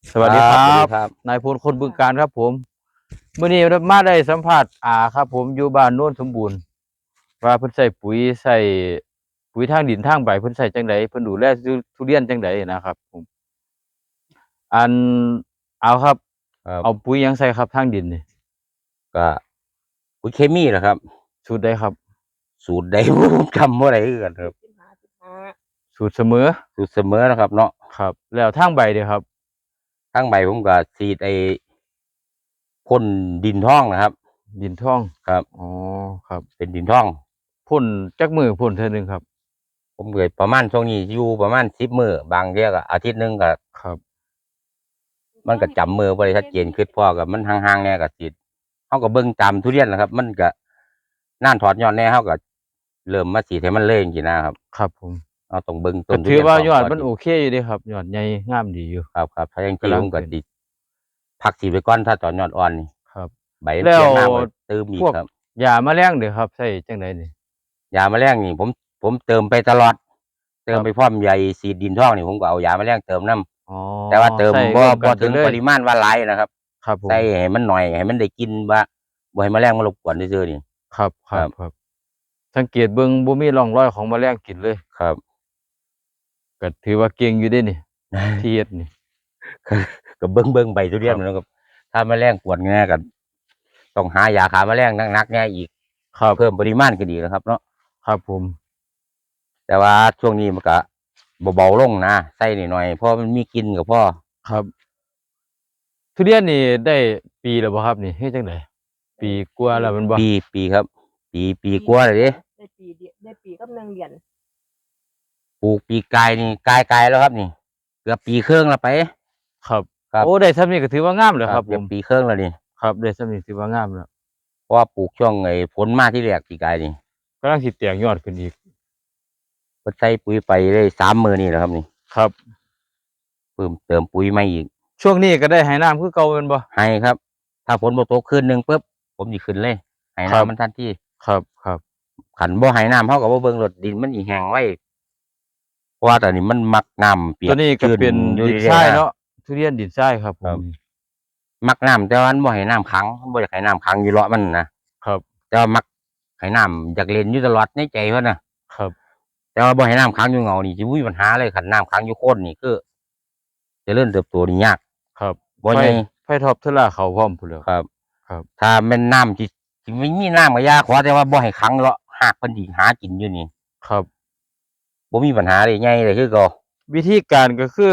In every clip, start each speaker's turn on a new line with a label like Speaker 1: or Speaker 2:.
Speaker 1: สวัสดีครั
Speaker 2: สวัสดี
Speaker 1: บ
Speaker 2: ครับ
Speaker 1: นายพลคนบึงการครับผมเมื่อนี้มาได้สัมภาษณ์ครับผมอยู่บ้านโน้นสมบูรณ์ว่าเพิ่นใส่ปุ๋ยทางดินทางใบเพิ่นใส่จังไดเพิ่นดูแลทุเรียนจังไดนะครับผมอันเอาครับเอา
Speaker 2: ครับ
Speaker 1: ปุ๋ยหยังใส่ครับทางดินนี่
Speaker 2: ก็ปุ๋ยเคมีแหละครับ
Speaker 1: สูตรใดครับ
Speaker 2: สูตรใดผมจำบ่ได้คือกันครับ
Speaker 3: 15
Speaker 1: สูตรเสมอ
Speaker 2: สูตรเสมอนะครับเนาะ
Speaker 1: ครับแล้วทางใบเด้อครับ
Speaker 2: ทั้งใบผมก็ฉีดพ่นดินท่องนะครับ
Speaker 1: ดินทอง
Speaker 2: ครับ
Speaker 1: อ๋อครับ
Speaker 2: เป็นดินท่อง
Speaker 1: พ่นจักมื้อพ่นเทื่อหนึงครับ
Speaker 2: ผมเกิดประมาณช่วงนี้อยู่ประมาณ10 มื้อบางเที่ยก็อาทิตย์หนึงก็
Speaker 1: ครับ
Speaker 2: มันก็จำมื้อบ่ได้ชัดเจนคือพ่อก็มันห่างๆแน่ก็ฉีดเฮาก็เบิ่งตามทุเรียนนะครับมันก็น่านถอดยอดแน่เฮาก็เริ่มมาฉีดให้มันเลยจังซี่นะครับ
Speaker 1: ครับผม
Speaker 2: เราต้องเบิ่งต้
Speaker 1: ก็
Speaker 2: นทุ
Speaker 1: ถือว่ายอด
Speaker 2: เรียนก่อน
Speaker 1: มันโอเคอยู่เดะครับยอดใหญ่งามดีอยู่
Speaker 2: ครับถ้าอย่างที่
Speaker 1: กำลัง
Speaker 2: ผมก็
Speaker 1: เป็น
Speaker 2: สิพักฉีดไปก่อนถ้าตอนยอดอ่อนนี่
Speaker 1: ครับ
Speaker 2: ใบมัน
Speaker 1: แล้ว
Speaker 2: เปลี่ยนหน้าก็ตื้มอี
Speaker 1: พวก
Speaker 2: กครับ
Speaker 1: ยาแมลงเด้อครับใช้จังไดนี่
Speaker 2: ยาแมลงนี่ผมเติมไปตลอดเติมไปพร้อมใยสีดดินท่องนี่ผมก็เอายาแมลงเติมน้
Speaker 1: อ๋อ
Speaker 2: ำแต่ว่าเติม
Speaker 1: ใส่
Speaker 2: บ่
Speaker 1: ร่วมกั
Speaker 2: บ่
Speaker 1: นไปเลย
Speaker 2: ถึงปริมาณว่าหลายนะครับ
Speaker 1: ครับผม
Speaker 2: ใส่ให้มันหน่อยให้มันได้กินว่าบ่ให้แมลงมารบกวนซื่อๆนี่
Speaker 1: ครับค
Speaker 2: ครับ
Speaker 1: รับสังเกตเบิ่งบ่มีร่องรอยของแมลงกินเลย
Speaker 2: ครับ
Speaker 1: ก็ถือว่าเก่งอยู่เดะนี่ที่เฮ็ดนี่
Speaker 2: ก็เบิ่งใบทุเรียน
Speaker 1: ครับ
Speaker 2: มันก็ถ้าแมลงกวนแน่ก็ต้องหายาฆ่าแมลงหนักๆแน่อีก
Speaker 1: ครับ
Speaker 2: เพิ่มปริมาณก็ดีนะครับเนาะ
Speaker 1: ครับผม
Speaker 2: แต่ว่าช่วงนี้มันก็เบาๆลงนะใส่หน่อยๆเพราะมันมีกินก็พอ
Speaker 1: ครับทุเรียนนี่ได้ปีแล้วบ่ครับนี่เฮ็ดจังไดปีกว่าแล้วแม่นบ่
Speaker 2: ปีครับปีกว่าเลยเด้
Speaker 3: ได้ปีกับ1เดือน
Speaker 2: ปลูกปีกายนี่กายแล้วครับนี่เกือบปีครึ่งแล้วไป
Speaker 1: ครับ
Speaker 2: ครับ
Speaker 1: โอ้ได้ส่ำนี้ก็ถือว่างามแล้วครับผ
Speaker 2: เกือบ
Speaker 1: ม
Speaker 2: ปีครึ่งแล้วนี่
Speaker 1: ครับได้ส่ำนี้ถือว่างามแล้ว
Speaker 2: เพราะว่าปลูกช่วงฝนมาที่แรกปีกายนี่
Speaker 1: กำลังสิแตกยอดขึ้นอีก
Speaker 2: ก็ใส่ปุ๋ยไปได้3 มื้อนี่แหละครับนี่
Speaker 1: ครับ
Speaker 2: เพิ่มเติมปุ๋ยมาอีก
Speaker 1: ช่วงนี้ก็ได้ให้น้ำคือเก่าแม่นบ่
Speaker 2: ให้ครับ ถ้าฝนบ่ตกคืนหนึงปุ๊บผมสิขึ้นเลยให้
Speaker 1: ครับ
Speaker 2: น้ำมันทันที
Speaker 1: ครับ
Speaker 2: ขันบ่ให้น้ำเฮาก็บ่เบิ่งรถดินมันสิแห้งไว้เพราะว่าตอนนี้มันมักน้ำเปีย
Speaker 1: ตัว
Speaker 2: ก
Speaker 1: นี้ก็
Speaker 2: ชื้น
Speaker 1: เป็น
Speaker 2: อยู่
Speaker 1: ดินท
Speaker 2: เรื่อยๆนะ
Speaker 1: รายเนาะทุเรียนดินทรายครับผ
Speaker 2: ครั
Speaker 1: ม
Speaker 2: บ มักน้ำแต่ว่ามันบ่ให้น้ำขังมันบ่อยากให้น้ำขังอยู่เลาะมันนะครับแต่ว่ามักให้น้ำอยากเล่นอยู่ตลอดในใจเพิ่นน่ะ
Speaker 1: ครับ
Speaker 2: แต่ว่าบ่ให้น้ำขังอยู่เงานี่สิบ่มีปัญหาเลยคันน้ำขังอยู่โคนนี่คือเจริญเติบโตนี่ยาก
Speaker 1: ครับ
Speaker 2: บ่ใหญ่
Speaker 1: ไฟท็อปเทอร่าเขาพร้อมพู้นแหล้ว
Speaker 2: ครับ
Speaker 1: ครับ
Speaker 2: ถ้าแม่นน้ำสิไม่มีน้ำก็อยาขอแต่ว่าบ่ให้ขังเลาะหากเพิ่นสิหากินอยู่นี่
Speaker 1: ครับ
Speaker 2: บ่มีปัญหาเลยใหญ่เลยคือเก่า
Speaker 1: วิธีการก็คือ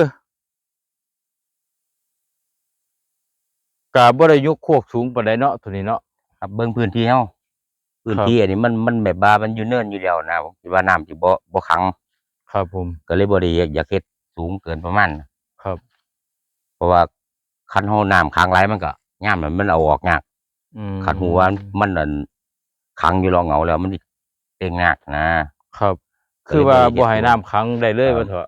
Speaker 1: ก็บ่ได้ยกโคกสูงปานใดเนาะตัวนี้เนาะ
Speaker 2: ครับเบิ่งพื้นที่เฮาพื้น
Speaker 1: ครับ
Speaker 2: ที่อันนี้มันแบบว่ามันอยู่เนินอยู่แล้วนะผมคิดว่าน้ำสิบ่ขัง
Speaker 1: ครับผม
Speaker 2: ก็เลยบ่ได้อยากเฮ็ดสูงเกินประมาณ
Speaker 1: ครับ
Speaker 2: เพราะว่าคันเฮาน้ำขังหลายมันก็ยามนั้นมันเอาออกยากคันหัวมันนั่นขังอยู่รอเหงาแล้วมันสิเต็งยากนะครับ
Speaker 1: คือว่าบ่ให้น้ำขังได้เลยว่าเถอะ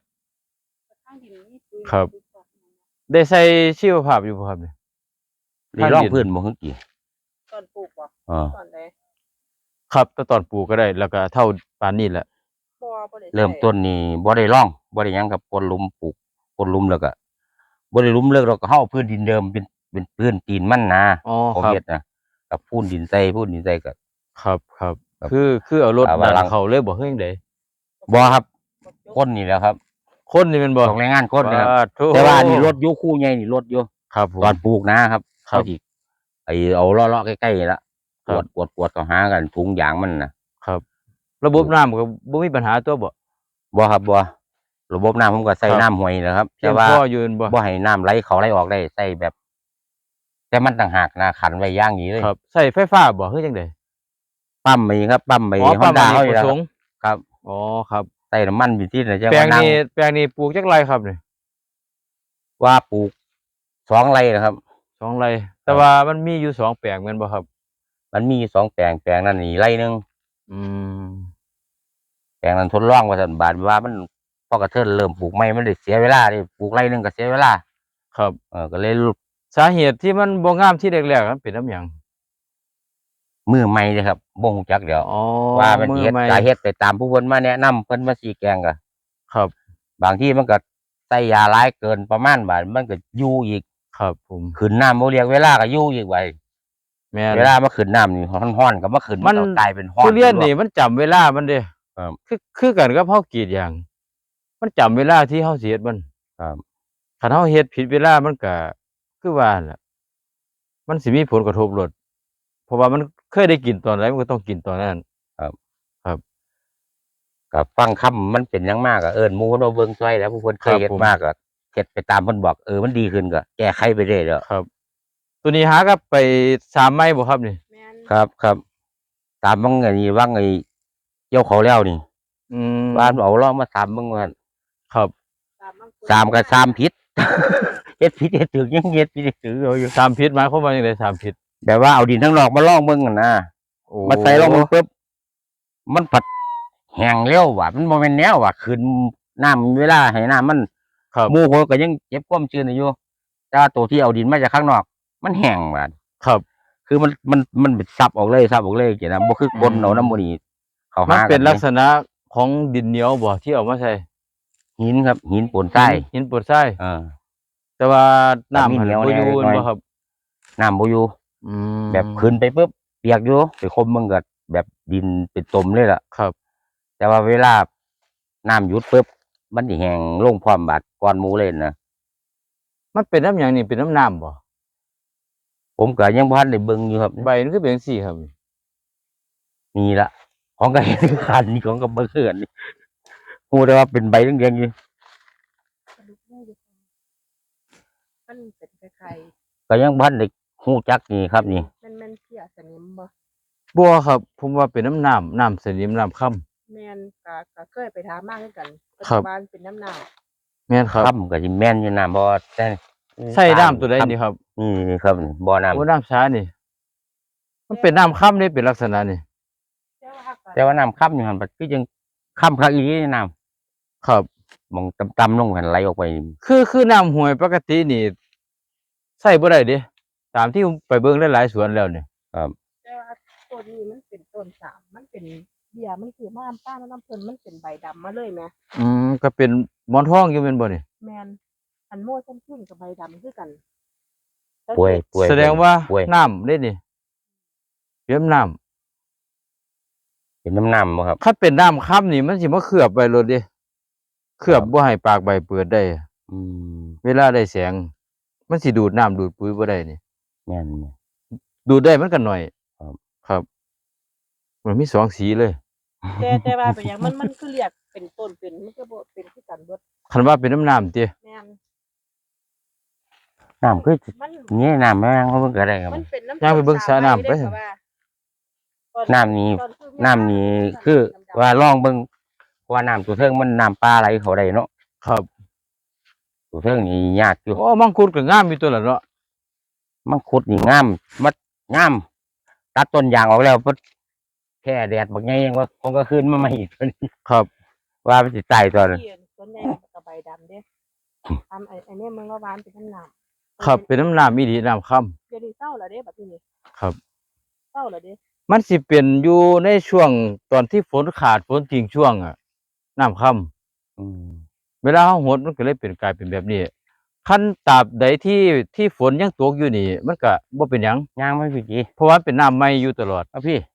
Speaker 1: ครับได้ใส่ชีวภาพอยู่บ่ครับนี่
Speaker 2: นี่ร่องพื้นบ่ฮึกกี่
Speaker 3: ตอนปลูกบ่ตอนใด
Speaker 1: ครับแต่ตอนปลูกก็ได้แล้วก็เท่าปานนี้แหละ
Speaker 3: บ่ได้
Speaker 2: เริ่มต้นนี่บ่ได้ร่องบ่ได้หยังครับกดหลุมปลูกกดหลุมแล้วก็บ่ได้หลุมเลิกเราก็เฮาพื้นดินเดิมเป็นพื้นตีนมัน
Speaker 1: อ๋อ
Speaker 2: ผม
Speaker 1: ครับ
Speaker 2: เฮ็ดนะกับพูนดินใส่ก็
Speaker 1: ครับ
Speaker 2: ครับ
Speaker 1: คือเอารถดั
Speaker 2: ว่าหลัง
Speaker 1: นเข้าเลยบ่คือจังได
Speaker 2: บ่ครับคนนี่แหละครับ
Speaker 1: คนนี่แม่นบ่
Speaker 2: ของแรงงานคนนะครับ
Speaker 1: ปาโธ่
Speaker 2: แต่ว่านี่รถอยู่คู่ใหญ่นี่รถอยู่
Speaker 1: ครับผม
Speaker 2: ตอนปลูกนะครับ
Speaker 1: ครับ
Speaker 2: เขาสิเอาเลาะๆใกล้ๆนี่ละ
Speaker 1: ครั
Speaker 2: กวดเข้าหากันถุงยางมันน่ะ
Speaker 1: ครับ ระบบน้ำก็บ่มีปัญหาตัวบ่
Speaker 2: บ่ครับบ่ระบบน้ำผมก็ใส่
Speaker 1: ครับ
Speaker 2: น้ำห้วยนะครับ
Speaker 1: เพีย
Speaker 2: แต่
Speaker 1: ง
Speaker 2: ว่า
Speaker 1: พออยู่แม่นบ่
Speaker 2: บ่ให้น้ำไหลเข้าไหลออกได้ใส่แบบ แต่มันต่างหากนะขันไว้อย่างนี้เลย
Speaker 1: ครับใช้ไฟฟ้าบ่คือจังได๋
Speaker 2: ปั๊มมีครับปั๊มไอ้
Speaker 1: อ๋อปั๊ม
Speaker 2: Honda
Speaker 1: อเน
Speaker 2: เฮาก
Speaker 1: ป
Speaker 2: นี่
Speaker 1: ระ
Speaker 2: แหละ
Speaker 1: ส
Speaker 2: ครับ
Speaker 1: งค์
Speaker 2: ครับ
Speaker 1: อ๋อครับ
Speaker 2: ใส่น้ำมันอยู่ที่ไหนจะ
Speaker 1: แปลง
Speaker 2: ว่านั่ง
Speaker 1: นี้ปลูกจักไร่ครับนี่
Speaker 2: ว่าปลูก2 ไร่นะครับ
Speaker 1: 2 ไร่แต่ว่ามันมีอยู่2แปลงแม่นบ่ครับ
Speaker 2: มันมีอยู่2 แปลงแปลงนั้นนี่ไร่หนึง
Speaker 1: อืม
Speaker 2: แปลงนั้นทดลองว่าซั่นบาดว่ามันพอกระเทินเริ่มปลูกใหม่มันได้เสียเวลาดิปลูกไร่หนึงก็เสียเวลา
Speaker 1: ครับ
Speaker 2: ก็เลย
Speaker 1: สาเหตุที่มันบ่งามที่แรกๆมันเป็นนำหยัง
Speaker 2: มือใหม่เด้อครับบ่ฮู้จักเดี๋ยว
Speaker 1: อ๋อ
Speaker 2: ว่ามันสิเฮ็ด
Speaker 1: ใหม่
Speaker 2: สาเหตุไปตามผู้เพิ่นมาแนะนำเพิ่นมาชี้แจงก็
Speaker 1: ครับ
Speaker 2: บางทีมันก็ใส่ส่ยาหลายเกินประมาณบาดมันก็อยู่อีก
Speaker 1: ครับผม
Speaker 2: ขึ้นน้ำบ่เรียกเวลาก็อยู่อีกไว้
Speaker 1: แม่น
Speaker 2: เวลามาขึ้นน้ำนี่ฮ้อนๆก็มาขึ้น
Speaker 1: มัน
Speaker 2: ก็กลายเป็นฮ้อน
Speaker 1: ทุเรียนนี่มันจำเวลามันเด้
Speaker 2: ครับ
Speaker 1: คือกันกับเฮากรีดยาง มันจำเวลาที่เฮาสิเฮ็ดมัน
Speaker 2: ครับ
Speaker 1: คันเฮาเฮ็ดผิดเวลามันก็คือว่านั่นล่ะมันสิมีผลกระทบโลดเพราะว่ามันเคยได้กินตอนใดมันก็ต้องกินตอนนั้น
Speaker 2: ก็ฟังคำมันเป็นหยังมากก็เอิ้นหมู่เพิ่นมาเบิ่งช่วยแล้วผู้เพิ่นเคยเฮ็ดมาก็เฮ็ดไปตามเพิ่นบอกมันดีขึ้นก็แก้ไขไปเรื่อยแล้ว
Speaker 1: ครับ ตัวนี้หากับไป3ไม้บ่ครับนี่
Speaker 3: แม่น
Speaker 2: ครับตามบางไอ้ว่างไอ้เกี่ยวเขาแล้วนี่
Speaker 1: อืม
Speaker 2: บ้านเอาลองมาตามเบิ่งว่า
Speaker 1: ครับ
Speaker 2: สามก็สามผิด เฮ็ดผิดเฮ็ดถูกยังเฮ็ดผิดเฮ็ดถูกอยู่
Speaker 1: สามพิษหมายความว่าจังไดสามพิษ
Speaker 2: แบบว่าเอาดินทั้งนอกมาลองเบิ่งกันนะ
Speaker 1: โอ้
Speaker 2: มาใส่ลองเบิ่งปุ๊บมันผัดแห้งเร็วว่ะมันบ่แม่นแนวว่ะขึ้นน้ำเวลาให้น้ำมัน
Speaker 1: ครับ
Speaker 2: หมู่เขาก็ยังเก็บความชื้นอยู่แต่ว่าตัวที่เอาดินมาจากข้างนอก มันแห้งว่ะ
Speaker 1: ครับ
Speaker 2: คือมันซับออกเลยจังนะบ่คือกลนเอาน้ำมันนี่เขา
Speaker 1: มัน
Speaker 2: หา
Speaker 1: เป็นลัก
Speaker 2: ษ
Speaker 1: ษณะของดินเหนียวบ่ที่เอามาใส่
Speaker 2: หินครับหินปนทราย
Speaker 1: หินปวดทราย
Speaker 2: อ่า
Speaker 1: แต่ว่าน้ำ
Speaker 2: มี
Speaker 1: หัน
Speaker 2: เหนียว
Speaker 1: บ่อยู่
Speaker 2: แน่
Speaker 1: บ่ครับ
Speaker 2: น้ำบ่อยู่
Speaker 1: อืม
Speaker 2: แบบขึ้นไปปุ๊บเปียกอยู่ไปคมมึงก็แบบดินเป็นตมเลยล่ะ
Speaker 1: ครับ
Speaker 2: แต่ว่าเวลาน้ำหยุดปุ๊บมันสิแห้งลงพร้อมบาดก่อนหมู่เลยนะ
Speaker 1: มันเป็นน้ำหยังนี่เป็นน้ำน้ำบ่
Speaker 2: ผมก็ยังบ่ทันได้เบิ่งอยู่ครับ
Speaker 1: ใบมันคือเป็นจังซี่ครับ
Speaker 2: นี่ละของก็เห็นคือคันนี่ของก็บ่คือกันนี่ฮู้แต่ว่าเป็นใบเรียงๆอยู่
Speaker 3: กระดูกแม่อยู่ค่ะมันเป็นคล้าย
Speaker 2: ก็ยังบ่ทันได้ฮู้จักนี่ครับนี่
Speaker 3: ๆแม่นเพียสนิมบ่
Speaker 1: บัวครับ ผมว่าเป็นน้ำสนิมน้ำค่
Speaker 3: แม่นก็เคยไปถามมาคือกันปัจ
Speaker 1: ครั
Speaker 3: จุ
Speaker 1: บ
Speaker 3: บันเป็นน้ำหนัก
Speaker 1: ำแม่นครับ
Speaker 2: ค่ำก็สิแม่นอยู่น้ำบ่แต่
Speaker 1: ใส่น้ำตัวใดนี่ครับ
Speaker 2: นี่ครับนี่บ่อน้ำ
Speaker 1: โอ้น้ำช้านี่ มันเป็นน้ำค่ำนี่เป็นลักษณะนี่
Speaker 2: แต่ว่าน้ำค่ำอยู่หั่นบัดคือจังค่ำคักอีหลีน้ำ
Speaker 1: ครับ
Speaker 2: มองต่ำๆลงหันไหลออกไป
Speaker 1: คือน้ำห้วยปกตินี่ใส่บ่ได้เด้ตามที่ผมไปเบิ่งหลายๆสวนแล้วนี่
Speaker 3: แต่ว่าต้นนี้มันเป็นต้นสามมันเป็นเบี้ยมันคือมาป้าน้ำเพิ่นมันเป็นใบดำมาเลยแหม
Speaker 1: ก็เป็นหมอนทองอยู่แม่นบ่นี่
Speaker 3: แม่นอันโม่ส้มขึ้นกับใบดำคือกัน
Speaker 2: ป่วย
Speaker 1: แสดงว่า
Speaker 2: ป่วย
Speaker 1: น้ำเด้นี่เรียมน้ำ
Speaker 2: เป็นน้ำบ่ครับ
Speaker 1: คันเป็นน้ำค่ำนี่มันสิมาเคลือบไว้โลดเด้เคลือบบ่ให้ปากใบเปิดได้
Speaker 2: อืม
Speaker 1: เวลาได้แสง มันสิดูดน้ำดูดปุ๋ยบ่ได้นี่
Speaker 2: แม่น
Speaker 1: ดูดได้มันก็น้อย
Speaker 2: ครับ
Speaker 1: ครับ มันมีสองสีเลย
Speaker 3: แต่ว่าเป็นอย่างมันคือเรียกเป็นต้นเป็นมันก็บ่เป็นคือกันเบิด
Speaker 1: คันว่าเป็นน้ำติ
Speaker 3: แม่น
Speaker 2: น้ำคือ
Speaker 3: มัน
Speaker 2: นี่น้ำแม่งเขาเพิ่งก็ได้ครับ
Speaker 3: มันเป็นน้ำ
Speaker 1: ย่างไปเบิ่งสระน้ำไป
Speaker 3: ด้ค่ะว่า
Speaker 2: น้ำนี้
Speaker 3: ตอคือ
Speaker 2: น้ำนี้คือว่าลองเบิ่งว่าน้ำตัวเทิงมันน้ำปลาไหลเขาได้เนาะ
Speaker 1: ครับ
Speaker 2: ตัวเทิงนี่ยากอยู่
Speaker 1: โอ้มังคุดก็งามอยู่ตัวละเนาะ
Speaker 2: มังคุดนี่งามมัดงามตัดต้นยางออกแล้วปุ๊บแค่แดดบักไงยังว่าคงก็ขึ้นมาใหม่อีกตัวนี้
Speaker 1: ครับ
Speaker 2: ว่ามันสิตายตัวนึง
Speaker 3: ที่ส่วนใหญ่กับใบดำเด้ทำไอ้เนี่ยมึงก็หวานเป็นน้ำหนาม
Speaker 1: ครับเป็นน้ำอีหลีน้ำค่ำ
Speaker 3: เดี๋ยวนี้เศร้าแล้วเด้บัดนี้
Speaker 1: ครับ
Speaker 3: เศร้าแล้วเด้
Speaker 1: มันสิเป็นอยู่ในช่วงตอนที่ฝนขาดฝนทิ้งช่วงน้ำค่ำ
Speaker 2: อืม
Speaker 1: เวลาเฮาหดมันก็เลยเป็นกลายเป็นแบบนี้คันตราบใดที่ฝนยังตกอยู่นี่ มันก็บ่เป็นหยัง
Speaker 2: ย่างไม่ผิดจี
Speaker 1: เพราะว่าเป็นน้ำใหม่อยู่ตลอด
Speaker 2: เอาพี่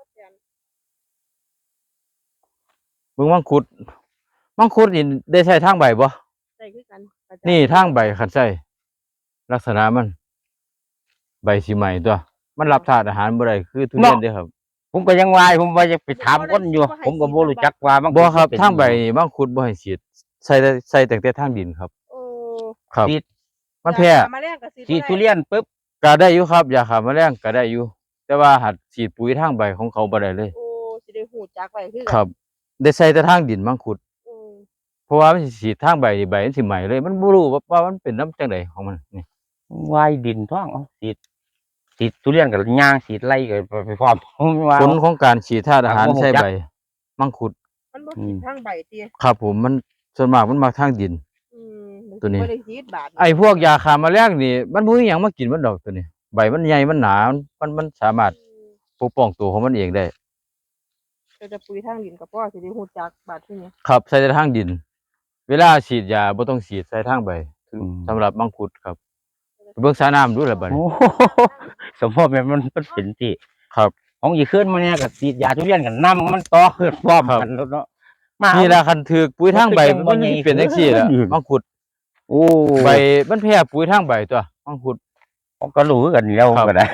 Speaker 1: เบิ่งมังคุดนี่ได้ใช้ทางใบบ่
Speaker 3: ใส่คือกัน
Speaker 1: นี่ทางใบคันใช้ลักษณะมัน ใบสิใหม่ตัว มันรับธาตุอาหารบ่ได้คือทุเรียนเด้อครับ
Speaker 2: ผมก็ยังวายผมว่าจะไปถามคนอยู่ ผมก็บ่รู้จักว่ามัง
Speaker 1: บ่ครับ
Speaker 2: เป็น
Speaker 1: ทางใบนี่มังคุดบ่ให้ฉีดใส่แต่ทางดินครับ
Speaker 3: โอ้
Speaker 1: ครับ
Speaker 2: ฉีด
Speaker 1: มันแพ้
Speaker 3: ยามาแรงกับสี
Speaker 2: ฉีดทุเรียนปุ๊บ
Speaker 1: ก็ได้อยู่ครับยาฆ่าแมลงก็ได้อยู่ แต่ว่าหัดฉีดปุ๋ยทางใบของเขาบ่ได้เลย
Speaker 3: โอ้สิได้หูจักไว้คือกัน
Speaker 1: ครับ ได้ใส่แต่ทางดินมังคุด
Speaker 3: อืม
Speaker 1: เพราะว่ามันสิฉีดทางใบนี่ใบมันสิใหม่เลย มันบ่รู้ว่ามันเป็นน้ำจังไดของมันนี่
Speaker 2: วายดินท้องเอาฉีดทุเรียนกับย่างฉีดไล่กับไปพร้อมผมว่า
Speaker 1: ผลของการฉีดธาตุอาหาร
Speaker 2: ครับผม
Speaker 1: ใส่
Speaker 2: จัก
Speaker 1: ใบมังคุด
Speaker 3: มันบ่ขีดทางใบเตี้ย
Speaker 1: ครับผมมันส่วนมากมันมาทางดิน
Speaker 3: อืม
Speaker 1: ตัวนี้
Speaker 3: บ่ได้ขีดบาด
Speaker 1: ไอ้พวกยาฆ่าแมลงนี่มันบ่มีหยังมากินมันดอกตัวนี้ ใบมันใหญ่มันหนามันสามารถ
Speaker 3: อืม
Speaker 1: ปกป้องตัวของมันเองได้
Speaker 3: แต่จะปุ๋ยทางดินกับพ่อสิได้หูจักบาดที่นี่
Speaker 1: ครับใส่แต่ทางดินเวลาฉีดยาบ่ต้องฉีดใส่ทางใบ
Speaker 2: อืม
Speaker 1: สำหรับมังคุดครับเบิ่งสาน้ำดูล่ะบัด
Speaker 2: โอ้
Speaker 1: นี้
Speaker 2: โหสมพบมันเป็นที่
Speaker 1: ครับ
Speaker 2: ของอีกขึ้นมาเนี่ยก็ฉีดยาทุเรียนกันน้ำมันต่อขึ้นพร้อมกันแล้วเนาะมา
Speaker 1: นี่ล่ะคันถูกปุ๋ยทางใบ
Speaker 2: มันก็
Speaker 1: มัน
Speaker 2: ยังบ่
Speaker 1: สิเป็นจังซี่ล่ะ
Speaker 2: ใหญ่
Speaker 1: มังคุด
Speaker 2: โอ้
Speaker 1: ใบมันแพ้ปุ๋ยทางใบตัวมังคุด
Speaker 2: ผมก็รู้กันแล้ว
Speaker 1: ครับ
Speaker 2: ก็ได้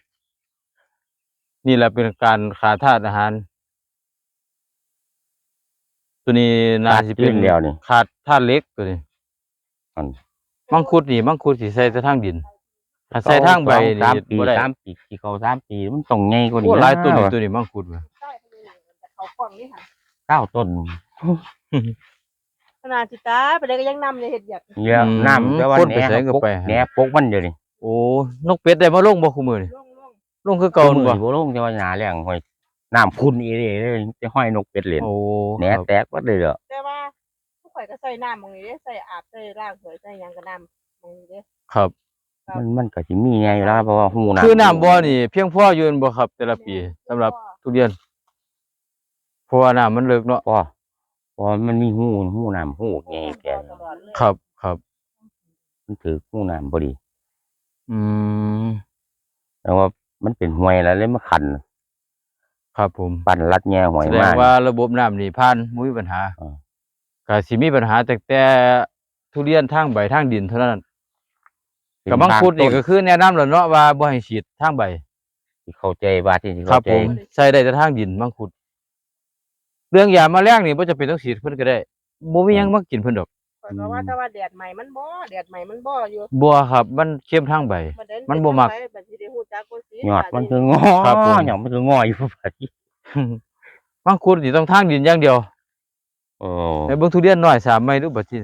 Speaker 1: นี่แหละเป็นการขาดธาตุอาหาร ตัวนี้น่าสิเป็น
Speaker 2: เดียวนี่
Speaker 1: ขาดธาตุเหล็กตัวนี้
Speaker 2: อัน
Speaker 1: มังคุดนี่มังคุดสิใส่แต่ทางดินถ้าใส่ทางใบ
Speaker 2: สาม
Speaker 1: นี่
Speaker 2: ปี
Speaker 1: บ่ได้
Speaker 2: 3 ปีที่เขา3 ปีมันต้องใหญ่กว่า
Speaker 1: โอ้
Speaker 2: นี้
Speaker 1: หลายตัวนี่ตัวนี้มังคุดว่ะ
Speaker 3: ใช่คนนี้แต่เขากล้องนี่ค่ะ
Speaker 2: 9 ต้น
Speaker 3: ขนาดจิตาไปเลยก็ยังนำเลยเห็ดอยาก
Speaker 2: เยอะน้ำแต่ว่า
Speaker 1: คน
Speaker 2: แห
Speaker 1: ไปใส่ก็ไป
Speaker 2: แหนปกมันเดี๋ยวนี้
Speaker 1: โอ้นกเป็ดได้มาลงบ่คุมื้อนี่
Speaker 3: ล่อง
Speaker 1: ลงคือเก่า
Speaker 2: มื
Speaker 1: บ่
Speaker 2: อบ่ลงแต่ว่าหนาแรงห้อยน้ำคุณอีเลยจะห้อยนกเป็ดเล่น
Speaker 1: โอ้
Speaker 2: แหน
Speaker 1: ครับ
Speaker 2: แตกวัดเลยเหรอ
Speaker 3: แต่ว่าผู้ข่อยก็ใส่น้ำมองนี้เด้ใส่อาบใส่ล้างสวยใส่หยังก็น้ำมองนี้เด้
Speaker 1: ครับ
Speaker 2: มันก็สิมีไงอยู่แล้วเพราะว่าหูน้ำ
Speaker 1: คือน้ำบ่อนี่เพียงพออยู่แม่นบ่ครับ แต่ละปีสำหรับทุเรียนเพราะว่าน้ำมันเลิกเนาะ
Speaker 2: พอมันมีหูน้ำหูไงแก
Speaker 3: ตลอดเลย
Speaker 1: ครับครับ
Speaker 2: มันถือหูน้ำพอดี
Speaker 1: อืม
Speaker 2: แต่ว่ามันเป็นห้วยแล้วเลยมาขัน
Speaker 1: ครับผม
Speaker 2: ปั่นรัดแง่ห้วย
Speaker 1: แสด
Speaker 2: มาง
Speaker 1: ว่าระบบน้ำนี่ผ่านบ่มีปัญหา
Speaker 2: อ่า
Speaker 1: ก็สิมีปัญหาแต่ทุเรียนทางใบทางดินเท่านั้นกับมังคุดนี่ก็คือแนะนำแล้วเนาะว่าบ่ให้ฉีดทางใบ
Speaker 2: ที่เข้าใจว่าที่
Speaker 1: ครั
Speaker 2: เข้า
Speaker 1: บ
Speaker 2: ใจ
Speaker 1: ผมใส่ได้แต่ทางดินมังคุด เรื่องยาแมลงนี่บ่จำเป็นต้องฉีดเพิ่นก็ได้บ่มีหยังมากินเพิ่นดอก
Speaker 3: ข่อยก็ว่าแต่ว่าแดดใหม่มันบ่แดดใหม่มันบ่อยู่
Speaker 1: บัวครับ มันเข้มทางใบ
Speaker 3: เดิ
Speaker 1: มันบ่มัก
Speaker 3: ไปบัดสิได้ฮู้จักบ่สิ
Speaker 2: ยอดมันคืองอ
Speaker 1: ครับผม
Speaker 2: หยอดมันคืองออยู่พอดี
Speaker 1: มังคุดนี่ต้องทางดินอย่างเดียว
Speaker 2: โอ้
Speaker 1: ในเบิ่งทุเรียนน้อย3ไม้ดูบัดนี้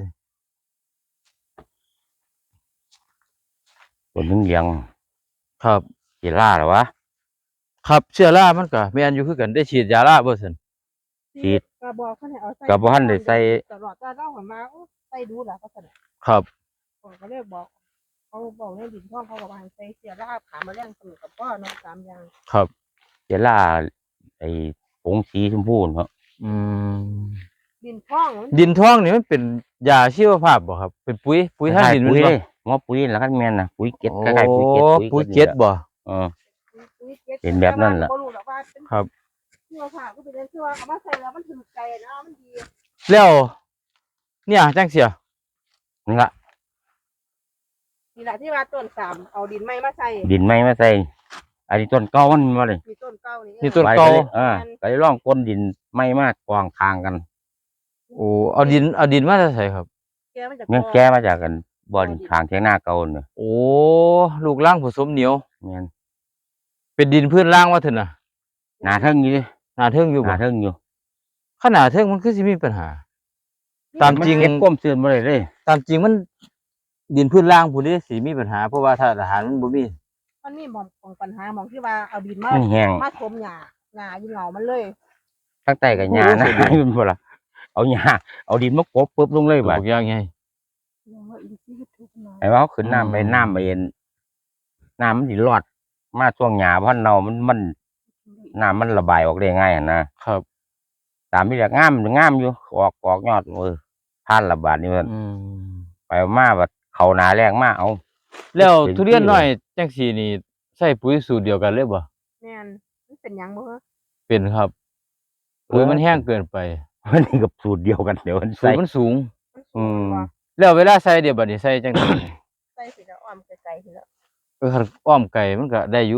Speaker 2: ตัวนึงเลี้ยง
Speaker 1: ครับ
Speaker 2: กีฬาเหรอวะ
Speaker 1: ครับเชื้อรามันก็แม่นอยู่คือกันได้ฉีดยาราบ่ซั่น
Speaker 2: ฉีด
Speaker 3: ก็บอกเพิ่นให้เอาใส่
Speaker 2: ก็บ่ทันได้ใส่
Speaker 3: ตลอดแต่เราหันมาโอ้ใส่ดูล่ะก็ซั่นน่ะ
Speaker 1: ครับ
Speaker 3: ผมก็เลยบอกเขาบอกในดินท่องเขาก็ว่าให้ใส่เสียรากขาแมลงสมุนกับพ่อเนาะ3อย่าง
Speaker 1: ครับ
Speaker 2: กีฬาไอ้ผงสีชมพูเนาะ
Speaker 1: อืม
Speaker 3: ดินท่องมัน
Speaker 1: ดินทองนี่มันเป็นยาชีวภาพบ่ครับ เป็นปุ๋ยทางดิน
Speaker 2: ปุ๋
Speaker 1: แม่
Speaker 2: ย
Speaker 1: นบ่
Speaker 2: เลยหัวปุ๋ยแล้วก็แม่นน่ะปุ๋ยเก็ด
Speaker 1: โอ้
Speaker 2: คล้ายๆปุ๋ยเก็ด
Speaker 1: ปุ๋ยเก็ดบ่
Speaker 2: เออ
Speaker 3: ปุ๋ยเก็ด
Speaker 2: เป็นแบบนั้นล่ะ
Speaker 3: บ่รู้หรอกว่าเป็น
Speaker 1: ครับ
Speaker 3: เชื่อค่ะก็เป็นเชื่อว่าเอามาใส่แล้วมันถึงใจนะมันดี
Speaker 1: แล้วเนี่ยจังเสีย
Speaker 2: นี่ละ
Speaker 3: นี่แหละที่ว่าต้นสามเอาดินไม้มาใส่
Speaker 2: ดินไม้มาใส่อันนี้ต้นเก่ามันมาเลย
Speaker 3: มีต้นเก่านี่
Speaker 1: นี่ต้น
Speaker 2: ไป
Speaker 1: เก่า
Speaker 2: เลยก็เลยร่องก้นดินไม้มากกวางทางกัน
Speaker 1: โอ้เอาดินมาจะใส่ครับ
Speaker 3: แกมันจะ
Speaker 2: เนี่ยแก้มาจากกันบ่อนทางเทียงหน้าเก่าเนี่ย
Speaker 1: โอ้ลูกล่างผสมเหนียว
Speaker 2: แม่น
Speaker 1: เป็นดินพื้นล่างว่าเถอะน่ะ
Speaker 2: หนาเทิงอยู่ดิ
Speaker 1: หนาเทิงอยู่
Speaker 2: ห
Speaker 1: บ่
Speaker 2: นาเทิงอยู่
Speaker 1: ขนาดเทิงมันคือสิมีปัญหา ตามจริง
Speaker 2: เก็บก้มเสื่อมบ่ได้เลย
Speaker 1: ตามจริงมันดินพื้นล่างผู้นี้สิมีปัญหา เพราะว่าถ้าอาหารมันบ่มี
Speaker 3: มันมีหมองของปัญหาหมองที่ว่าเอาดินมา
Speaker 2: มันแห้ง
Speaker 3: มาถมหญ้าอยู่เหงามันเลย
Speaker 2: ทั้งใต้กับหญ้านะมันบ่ล่ะเอาหญ้าเอาดินมากบปุ๊บลงเลย
Speaker 1: บ
Speaker 2: บั
Speaker 1: อ
Speaker 2: ด
Speaker 1: กอย่างไง
Speaker 3: ว่าอินทรีย์ทุกหน่อย
Speaker 2: ไอ้ว่าเขาขึ้นน้ำไป
Speaker 1: อืม
Speaker 2: น้ำไปเอ็นน้ำมันสิรอดมาช่วงหญ้าเพราะเนามันน้ำมันระบายออกได้ง่ายอะนะครับ ตามที่เรียกงามอยู่ออกยอดผ่านระบาดนี่มัน
Speaker 1: อืม
Speaker 2: ไปมาบัดเขาหนาแรงมาเอา
Speaker 1: แล้ว
Speaker 2: เป็น
Speaker 1: ทุเรียน
Speaker 2: ที่
Speaker 1: น้อยจังซี่นี่ใส่ปุ๋ยสูตรเดียวกันเลยบ่
Speaker 3: แม่นมันเป็นหยังบ่ฮะ
Speaker 1: เป็นครับปุ๋ยมันแห้งเกินไป
Speaker 2: มันนี่กับสูตรเดียวกันเดี๋ยวมัน
Speaker 1: สูต
Speaker 2: ใส่
Speaker 1: รมันสูง
Speaker 3: มันสูงกว่า
Speaker 1: แล้วเวลาใส่เดี๋ยวบัดนี้ใส่จังได๋
Speaker 3: ใส่สิแล้วอ้อมไกลๆสิแล้ว
Speaker 1: คันอ้อมไก่มันก็ได้อยู่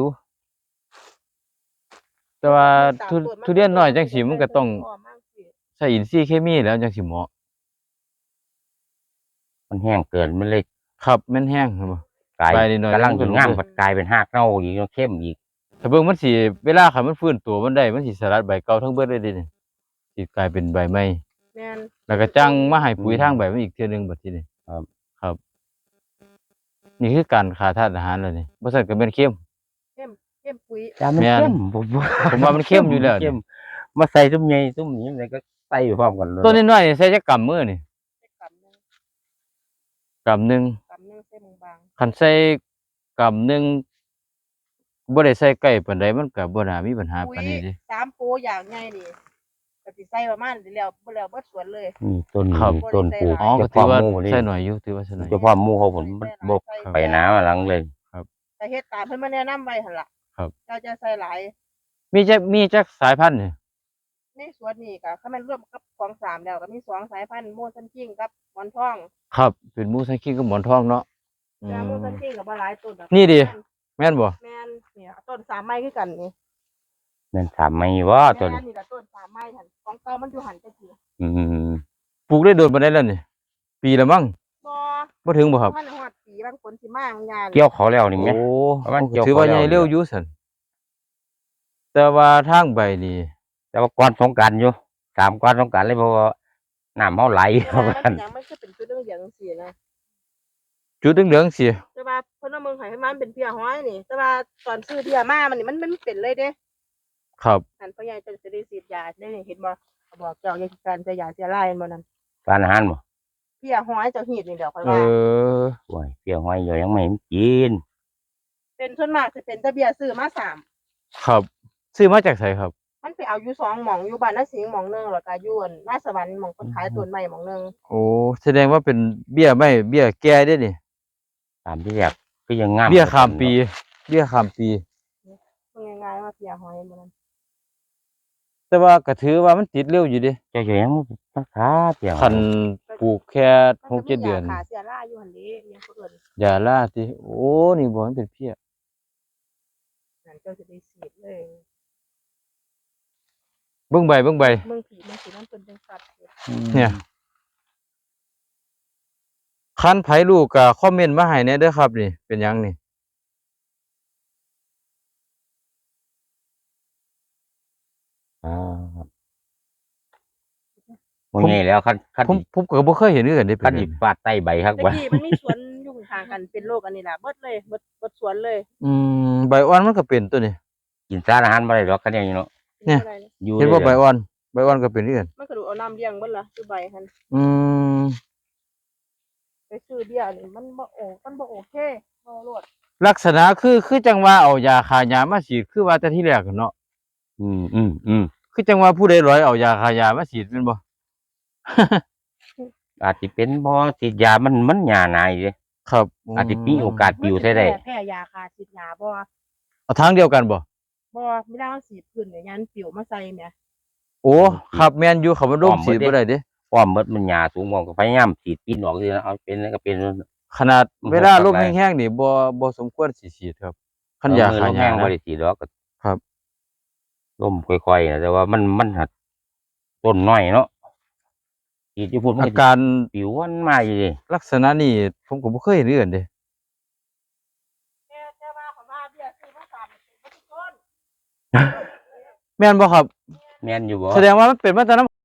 Speaker 1: แต่ว่าทุเรียนน้อยจังซี่มันก็ต้อง
Speaker 3: อ้อมมากสิ
Speaker 1: ใส่อินทรีย์เคมีแล้วจังสิเหมาะ
Speaker 2: มันแห้งเกินมันเลย
Speaker 1: ครับมันแห้งครับบ่
Speaker 2: กลาย
Speaker 1: ไปนิดหน่อย
Speaker 2: กำลัง
Speaker 1: มันก็
Speaker 2: ถึง
Speaker 1: ลง
Speaker 2: งาม
Speaker 1: เลย
Speaker 2: ผัดกลายเป็นหากเน่าอีกเข้มอีก
Speaker 1: ถ้าเบิ่งมันสิเวลาคันมันฟื้นตัวมันได้มันสิสลัดใบเก่าทั้งเบิดเลยเดะนี่สิกลายเป็นใบใหม่
Speaker 3: แม่น
Speaker 1: แล้วก็จังมาให้ปุ๋ยทางใบมันอีกเทื่อหนึงบัดทีนี้
Speaker 2: ครับ
Speaker 1: ครับ นี่คือการขาดธาตุอาหารแล้วนี่บ่ซั่นก็เป็นเค็ม
Speaker 3: เข้มปุ๋ย
Speaker 2: แต่มัน
Speaker 1: แม่น
Speaker 2: เข้มผม
Speaker 1: ผมว่ามันเข้มอยู่แล้วนี่
Speaker 2: เข้มมาใส่ตุ้มใหญ่ตุ้มนี้มันก็ใส่พร้อมกันเลย
Speaker 1: ต้นน้อยๆใส่จักกำมือนี่
Speaker 3: ใส่กำหนึง
Speaker 1: กำหนึง
Speaker 3: ใส่บาง
Speaker 1: คันใส่กำหนึงบ่ได้ใส่ใกล้ปานใดมันก็บ่น่ามีปัญหา
Speaker 3: ๆปุ๋
Speaker 1: ปาน
Speaker 3: ย
Speaker 1: นี้เด้
Speaker 3: 3โปอย่างใหญ่นี่ก็สิใส่ประมาณนี้แล้วบ่แล้วบ่สวนเลย
Speaker 2: นี่ต้น
Speaker 1: ครับ
Speaker 2: ต้นปลูก
Speaker 1: อ๋อก็
Speaker 2: เฉ
Speaker 1: ถือ
Speaker 2: พาะ
Speaker 1: ว่า
Speaker 2: หมู่นี่
Speaker 1: ใส่หน่อยอยู่ถือว่าใส่หน่อย
Speaker 2: เฉพาะหมู่เขาผมมันบกไปหนามาหลังเลย
Speaker 3: แต่เฮ็ดตามเพิ่นมาแนะนำไว้หั่นล่ะ
Speaker 1: ครับ
Speaker 3: เจ้าจะใส่หลาย
Speaker 1: มีจักสายพันธุ์นี่
Speaker 3: ในสวนนี่ก็คันแม่นรวมกับของสามแล้วก็มี2สายพันธุ์โมซันคิงกับหมอนทอง
Speaker 1: ครับเป็นมูสังคีกับหมอนทองเนาะอื
Speaker 3: แต่โมซัน
Speaker 1: ม
Speaker 3: คิงก็บ่หลายต้นดอก
Speaker 1: นี่ดิ แม่นบ่
Speaker 3: แม่นเนี่ยต้น3ไม้คือกันนี่
Speaker 2: นั่นถามไม่ว่าตัว
Speaker 3: แม่
Speaker 2: นี้
Speaker 3: นนี่ก็ต้น3ไม้หั่นของเก่ามันอยู่หั่นจังซี่
Speaker 2: อืม
Speaker 1: ปลูกได้โดนปานใดแล้วนี่ปีละมั้ง
Speaker 3: บ่
Speaker 1: บ่ถึงบ่ครับ
Speaker 3: มันฮอดปีบางคนสิมาบางงาน
Speaker 2: เกี่ยวเขาแล้วนี่ไหม
Speaker 1: โอ้
Speaker 2: ประมาณเกี่ยว
Speaker 1: ถือว่า
Speaker 2: เขาแล้ว
Speaker 1: ใหญ่เร็วอยู่ซั่นแต่ว่าทางใบนี่
Speaker 2: แต่ว่าก่อนสงกรานต์อยู่ตามก่อนสงกรานต์เลยเพราะว่าน้ำเขาไหล
Speaker 3: แต่
Speaker 2: เข้า
Speaker 3: ว่า
Speaker 2: กั
Speaker 3: มัน นยังมันคือเป็นจุดเหลืองๆจังซี่นะ
Speaker 1: จุดเหลืองๆสิ
Speaker 3: แต่ว่าเพิ่นเอาเมืองไห้ให้มันเป็นเพียห้อยนี่ แต่ว่าตอนซื้อเพียมามันนี่มันเป็นเลยเด้
Speaker 1: ครับ
Speaker 3: อันพ่อใหญ่จะได้ฉีดยาได้เห็นบ่เขาบอกเจ้าอย่าคิดการจะยาเสียลายเห็นบ่นั่น
Speaker 2: การอาหารบ่
Speaker 3: เพียห้อยเจ้าหีดนี่เดี๋ยวค่อย
Speaker 1: เอ
Speaker 3: ว่า
Speaker 1: อ
Speaker 2: โอ้ยเปรี้ยวห้อยอยู่ยังไม่เห็นกิน
Speaker 3: เป็นส่วนมากสิเป็นแตะเบียซื้อมาสาม
Speaker 1: ครับ ซื้อมาจากไสครับ
Speaker 3: มันไปเอาอยู่2หม่องอยู่บ้านนาสิงห์หม่องหนึงแล้วก็อยู่อั่นนาสวรรค์หม่องคนขายต้นไม้หม่องหนึง
Speaker 1: โอ้แสดงว่าเป็นเบี้ยไม่เบี้ยแก่เด้นี่
Speaker 2: ตามที่เรียกก็ยังงาม
Speaker 1: เบี้ยข้ามปี เบี้ยข้ามปี
Speaker 3: เพิ่นง่ายๆว่าเพียห้อยบ่นั่น
Speaker 1: แต่ว่าก็ถือว่ามันติดเร็วอยู่เดิ
Speaker 2: เจ้าอยู่ยังมันขาเปรี้ยว
Speaker 1: คันปลูกแค่
Speaker 3: มันก็มี
Speaker 1: 6-7 เดือน
Speaker 3: ยาขาเสียลายอยู่หั่นเด้ยังเพิ่น
Speaker 1: ยาล่าติโอ้นี่บ่มันเป็นเพี้ย
Speaker 3: นั่นเจ้าสิได้ฉีดเลย
Speaker 1: เบิ่งใบ
Speaker 3: เมืองผีมันสิมันเป็นจังซั่นเด้
Speaker 1: เนี่ย คันไผรู้ก็คอมเมนต์มาให้แหน่เด้อครับนี่ เป็นหยังนี่
Speaker 2: อ่าโอ้ยแล้วคัน
Speaker 1: ผมก็บ่เคยเห็นคือกันเด้เป็
Speaker 2: คัน
Speaker 1: นห
Speaker 2: อี
Speaker 1: ยัง
Speaker 2: ฟาดใต้ใบครับ
Speaker 3: แต่
Speaker 2: ว่า
Speaker 3: กี้มันมีสวนอยู่ข้างๆกันเป็นโรคอันนี้ล่ะเบิดเลยเบิดสวนเลย
Speaker 1: ใบอ่อนมันก็เป็นตัวนี้
Speaker 2: กินสารอาหารบ่ได้หรอกคันอย่างนี้เนาะ
Speaker 1: เนี่ย
Speaker 3: ป็บ่ได้
Speaker 2: อยู่
Speaker 1: เห็นบ่
Speaker 2: ลย
Speaker 1: ใบอ่อน ใบอ่อนก็เป็นคือกัน
Speaker 3: มันก็ดูเอาน้ำเลี้ยงเบิดล่ะคือใบหั่น
Speaker 1: อืม
Speaker 3: ไปซื้อเบี้ยนี่มันบ่โอเคบ่รอด
Speaker 1: ลักษณะคือจังว่าเอายาฆ่าหญ้ามาฉีดคือว่าแต่ที่แรกอะเนาะ
Speaker 2: อืม
Speaker 1: คือจังว่าผู้ใดร้อยเอายาฆ่าหญ้ามาฉีดแม่นบ่
Speaker 2: อาจสิเป็นเพราะฉีดยามันหญ้าหนายเด้
Speaker 1: ครับ
Speaker 2: อาจสิมีโอกาสปิวใส่ได้
Speaker 3: แพ้ยาฆ่าฉีดยาบ่
Speaker 1: เอาทางเดียวกันบ่
Speaker 3: ไม่ได้เอาฉีดพื้นเนี่ยยันปิวมาใส่แหม
Speaker 1: โอ้ครับแม่นอยู่เขาบ่ร่มฉีดบ่ได้เด้
Speaker 2: ป้อมเบิดมันหญ้าสูงมองก็พยายามฉีดปีนออกสินะเอาเป็นแล้วก็เป็น
Speaker 1: ขนาด
Speaker 2: มัน
Speaker 1: เวลา
Speaker 2: หก
Speaker 1: ลม
Speaker 2: อะไร
Speaker 1: แห้งๆนี่บ่สมควรสิฉีดครับคันยาฆ่าห
Speaker 2: แห้
Speaker 1: ญ้าง
Speaker 2: บ่
Speaker 1: นะ
Speaker 2: ได้ฉีดดอกก็
Speaker 1: ครับ
Speaker 2: ลมค่อยๆนะแต่ว่ามันหัดต้นน้อยเนาะฉีดอยู่พุ่นมัน
Speaker 1: อา
Speaker 2: ก็
Speaker 1: การ
Speaker 2: ปิวมันมาอยู่ดิ
Speaker 1: ลักษณะนี้ผมก็บ่เคยเห็นเอื่นเด้
Speaker 3: แต่ว่าเขาว่าเบี้ยซื้อมา3เป็นบ่ทุกคน
Speaker 1: แม่นบ่ครับ
Speaker 2: แม่นอยู่บ่
Speaker 1: แสดงว่ามันเป็นมาแต่น้ำ